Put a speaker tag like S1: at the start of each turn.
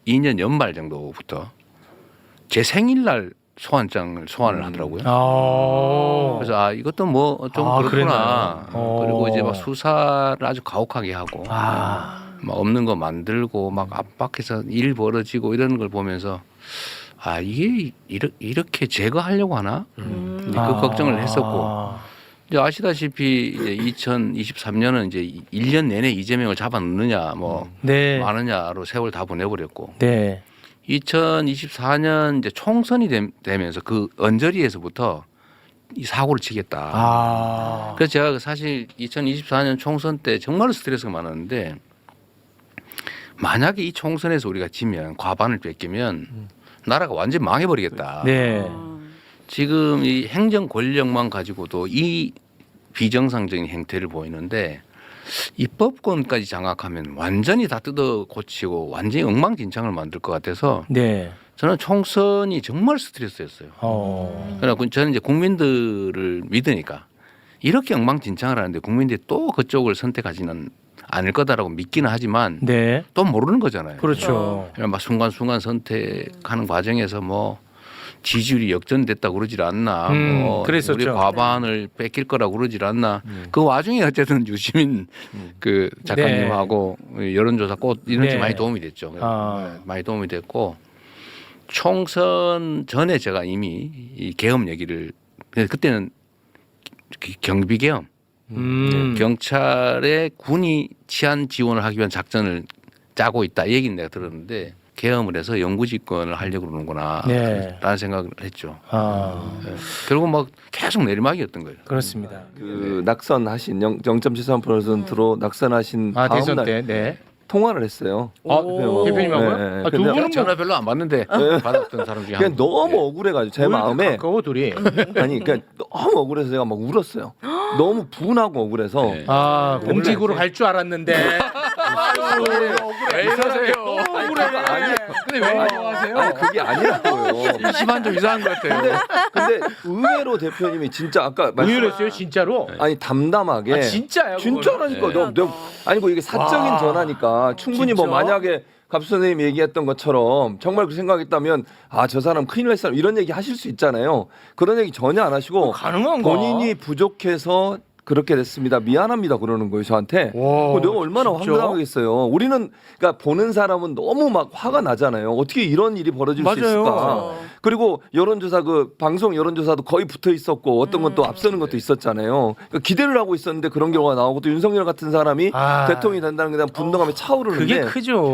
S1: 2022년 연말 정도부터 제 생일날 소환장을 소환을 하더라고요. 그래서 이것도 뭐 좀 그렇구나. 그리고 이제 막 수사를 아주 가혹하게 하고 막 없는 거 만들고 막 압박해서 일 벌어지고 이런 걸 보면서 이게 이렇게 제거하려고 하나? 이제 그 걱정을 했었고 이제 아시다시피 이제 2023년은 이제 1년 내내 이재명을 잡아넣느냐 뭐
S2: 네.
S1: 마느냐로 세월 다 보내버렸고
S2: 네.
S1: 2024년 이제 총선이 되면서 그 언저리에서부터 이 사고를 치겠다. 그래서 제가 사실 2024년 총선 때 정말 스트레스가 많았는데 만약에 이 총선에서 우리가 지면 과반을 뺏기면 나라가 완전히 망해버리겠다.
S2: 네.
S1: 지금 이 행정 권력만 가지고도 이 비정상적인 행태를 보이는데 입법권까지 장악하면 완전히 다 뜯어 고치고 완전히 엉망진창을 만들 것 같아서
S2: 네.
S1: 저는 총선이 정말 스트레스였어요. 그러나 저는 이제 국민들을 믿으니까 이렇게 엉망진창을 하는데 국민들이 또 그쪽을 선택하지는 않을 거다라고 믿기는 하지만
S2: 네.
S1: 또 모르는 거잖아요.
S2: 그렇죠.
S1: 막 순간순간 선택하는 과정에서 뭐 지지율이 역전됐다 그러질 않나, 뭐
S2: 그랬었죠.
S1: 우리 과반을 뺏길 거라고 그러질 않나. 그 와중에 어쨌든 유시민 그 작가님하고 여론조사 꽃 이런 게
S2: 네.
S1: 많이 도움이 됐죠. 많이 도움이 됐고 총선 전에 제가 이미 이 계엄 얘기를 그때는 경비 계엄, 경찰에 군이 치안 지원을 하기 위한 작전을 짜고 있다 이 얘기는 내가 들었는데. 계엄을 해서 영구집권을 하려고 그러는구나 라는 생각을 했죠. 결국 막 계속 내리막이었던 거예요.
S2: 그렇습니다.
S3: 그 낙선하신 0.73%로 낙선하신 다음
S2: 대선
S3: 날
S2: 때. 네.
S3: 통화를 했어요.
S2: 대표님하고요?
S3: 네, 네.
S2: 두
S3: 근데
S2: 분은
S1: 전화 별로 안 받는데 받았던 사람 중에
S3: 그냥
S1: 한
S3: 너무 억울해가지고 제 마음에
S2: 가까워 둘이.
S3: 아니 그러니까 너무 억울해서 제가 막 울었어요. 너무 분하고 억울해서
S1: 네.
S2: 공직으로 갈 줄 알았는데.
S1: 왜 이러세요?
S3: 아니
S1: 근데 왜 이러세요?
S3: 아니 그게 아니라고요.
S1: 시반 좀 이상한 것 같아요.
S3: 근데 의외로 대표님이 진짜 아까
S2: 의외로했어요 진짜로?
S3: 아니 담담하게
S2: 진짜요?
S3: 진짜라니까 내가 아니고 이게 사적인 전화니까 충분히 뭐
S2: 진짜?
S3: 만약에 갑수 선생님이 얘기했던 것처럼 정말 그 생각했다면 저 사람 큰일 날 사람 이런 얘기 하실 수 있잖아요. 그런 얘기 전혀 안 하시고
S2: 가능한가?
S3: 본인이 부족해서 그렇게 됐습니다. 미안합니다. 그러는 거예요, 저한테. 내가 얼마나
S2: 진짜?
S3: 황당하겠어요. 우리는 그러니까 보는 사람은 너무 막 화가 나잖아요. 어떻게 이런 일이 벌어질 수 있을까? 그리고 여론조사 그 방송 여론조사도 거의 붙어 있었고 어떤 건 또 앞서는 것도 있었잖아요. 그러니까 기대를 하고 있었는데 그런 경우가 나오고 또 윤석열 같은 사람이 대통령이 된다는 게 대한 분노감이 차오르는데
S2: 그게 크죠.